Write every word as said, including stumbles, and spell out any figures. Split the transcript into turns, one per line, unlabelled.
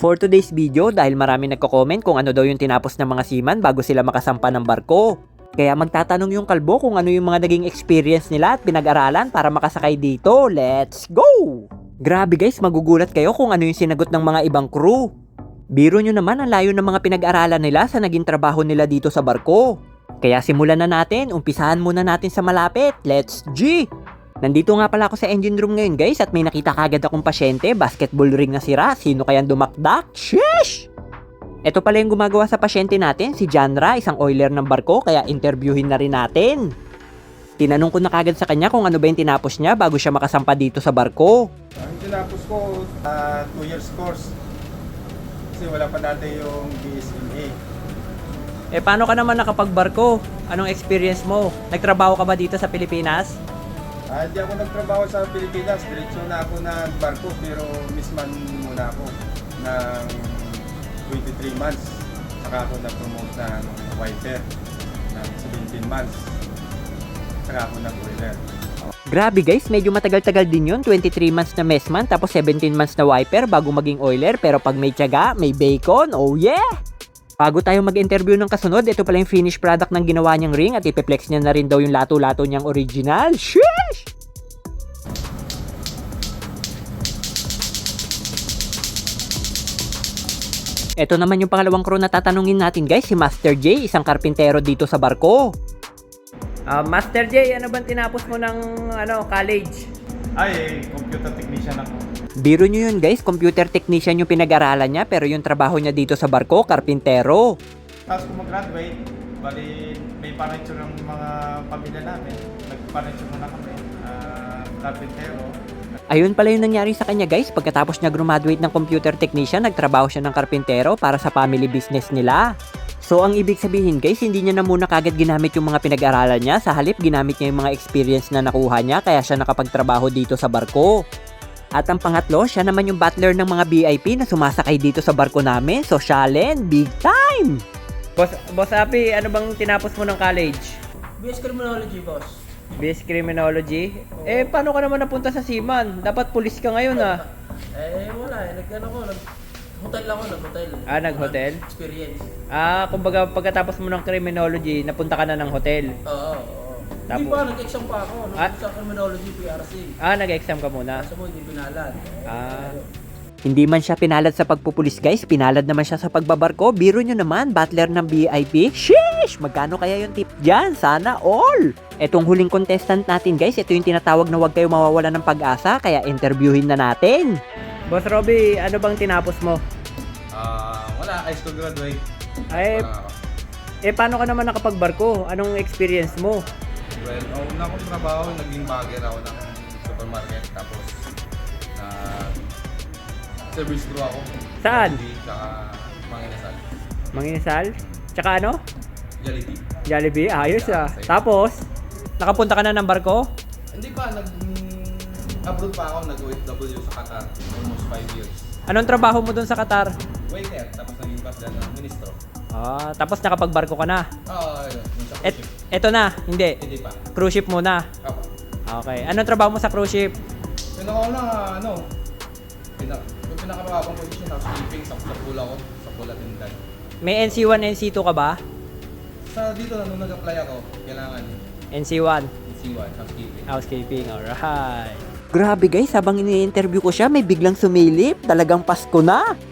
For today's video, dahil marami nagko-comment kung ano daw yung tinapos ng mga seaman bago sila makasampa ng barko. Kaya magtatanong yung kalbo kung ano yung mga naging experience nila at pinag-aralan para makasakay dito. Let's go! Grabe guys, magugulat kayo kung ano yung sinagot ng mga ibang crew. Biro nyo naman ang layo ng mga pinag-aralan nila sa naging trabaho nila dito sa barko. Kaya simulan na natin, umpisahan muna natin sa malapit. Let's G! Nandito nga pala ako sa engine room ngayon guys at may nakita kagad akong pasyente, basketball ring na sira, sino kayang dumakdak? Sheesh! Ito pala yung gumagawa sa pasyente natin, si Janra, isang oiler ng barko, kaya interviewin na rin natin. Tinanong ko na kagad sa kanya kung ano ba yung tinapos niya bago siya makasampa dito sa barko.
Ang tinapos ko, uh, two years course. Kasi wala pa dati yung B S M A.
Eh paano ka naman nakapagbarko? Anong experience mo? Nagtrabaho ka ba dito sa Pilipinas?
Ah, Hindi ako nagtrabaho sa Pilipinas. Diretso na ako ng barko, pero misman muna ako ng twenty-three months. Saka ako nag-promote ng wiper ng seventeen months. Saka ako nag-oiler.
Grabe guys, medyo matagal-tagal din yun, twenty-three months na messman tapos seventeen months na wiper bago maging oiler, pero pag may tiyaga, may bacon, oh yeah! Bago tayo mag-interview ng kasunod, ito pala yung finished product ng ginawa niyang ring at ipiplex niya na rin daw yung lato-lato niyang original. Sheesh! Ito naman yung pangalawang crew na tatanungin natin guys, si Master J, isang karpintero dito sa barko. Uh, Master J, ano bang tinapos mo ng ano, college?
Ay, computer technician ako.
Biro nyo yun guys, computer technician yung pinag-aralan niya pero yung trabaho niya dito sa barko, karpintero.
Tapos kung mag-graduate, bali may furniture ng mga pamilya namin. Nag-furniture muna kami, uh, carpentero.
Ayun pala yung nangyari sa kanya guys, pagkatapos niya graduate ng computer technician, nagtrabaho siya ng karpintero para sa family business nila. So ang ibig sabihin guys, hindi niya na muna kagad ginamit yung mga pinag-aralan niya, sa halip ginamit niya yung mga experience na nakuha niya kaya siya nakapagtrabaho dito sa barko. At ang pangatlo, siya naman yung butler ng mga V I P na sumasakay dito sa barko namin, sosyalen, big time! Boss, Boss Api, ano bang tinapos mo ng college?
B S Criminology, boss.
B S Criminology? Oo. Eh, paano ka naman napunta sa Seaman? Dapat pulis ka ngayon ah.
Eh, wala eh. Nag-ano ko, nag-hotel lang ako, nag-hotel.
Ah, nag-hotel?
Experience.
Ah, kumbaga pagkatapos mo ng criminology, napunta ka na ng hotel.
Oo, oo.
Tapos-
Hindi pa, nag-exam pa ako. Nung
Ah?
sa Criminology, P R C.
Ah, nag-exam ka muna.
Kaso mo, hindi pinalad.
Ah. Hindi man siya pinalad sa pagpupulis guys, pinalad naman siya sa pagbabarko. Biro nyo naman, butler ng V I P. Sheesh! Magkano kaya yung tip dyan? Sana all! Etong huling contestant natin guys, ito yung tinatawag na huwag kayo mawawala ng pag-asa, kaya interviewin na natin. Boss Robby, ano bang tinapos mo?
Ah, wala, high school graduate.
Ay,
Wala ako.
eh paano ka naman nakapagbarko? Anong experience mo?
Well, ang una kong trabaho, naging bagger ako ng supermarket. Tapos, na service crew ako.
Saan?
Jollibee, tsaka Manginasal.
Manginasal? Tsaka ano?
Jollibee.
Jollibee? Ayos ah.
Yeah, same.
Tapos, nakapunta ka na ng barko?
Hindi pa, nag... Abroad pa ako, nag-O F W sa Qatar. Almost five years.
Anong trabaho mo dun sa Qatar?
Waiter, tapos naging boss dyan ng ministro.
Ah, tapos nakapagbarko ka na.
Oo, yun. Yung sa
Et,
cruise ship.
eto na, hindi.
Hindi pa.
Cruise ship muna.
Ako.
Okay. Anong trabaho mo sa cruise ship?
Pinakauna, ano, pinak yung pinakamababang position, housekeeping, sa, sa pula ko, sa pula tindan.
May N C one, N C two ka ba?
Sa dito na nung nag-apply ako, kailangan
N C one,
C one, housekeeping.
housekeeping. Alright. Grabe guys, habang ini-interview ko siya, may biglang sumilip. Talagang Pasko na.